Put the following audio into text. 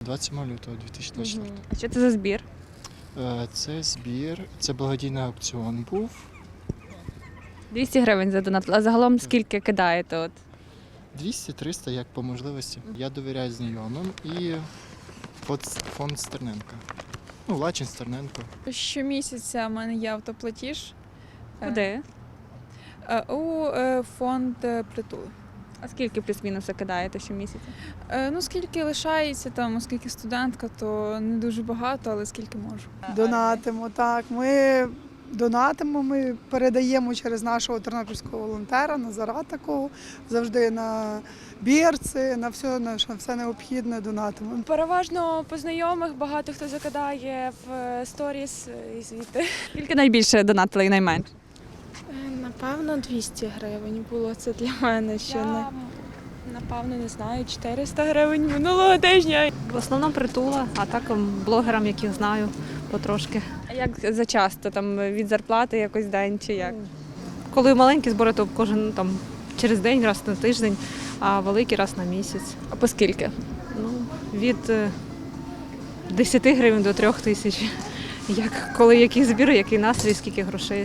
27 лютого 2024. А що це за збір? Це збір, це благодійний аукціон був. 200 гривень задонатили. А загалом скільки кидаєте? От? 200-300, як по можливості. Я довіряю знайомим і фонд Стерненка. Ну, Лачин Стерненко. Щомісяця в мене є автоплатіж Куди? у фонд притул. А скільки плюс-мінус кидаєте щомісяця? Ну, скільки лишається там, оскільки студентка, то не дуже багато, але скільки можу. Донатимо, так. Ми донатимо, ми передаємо через нашого тернопільського волонтера, Назара такого, завжди на бірці, на все необхідне донатимо. Переважно по знайомих багато хто закидає в сторіс і звідти. Скільки найбільше донатили і найменше? Напевно, 200 гривень було це для мене. Напевно, не знаю, 400 гривень минулого тижня. В основному притула, а так блогерам, яких знаю, потрошки. А як зачасто? Там від зарплати якось день чи як? Коли маленькі збори, то кожен там через день, раз на тиждень, а великі раз на місяць. А по скільки? Ну, від 10 гривень до 3 тисяч. Як коли який збір, який настрій, скільки грошей.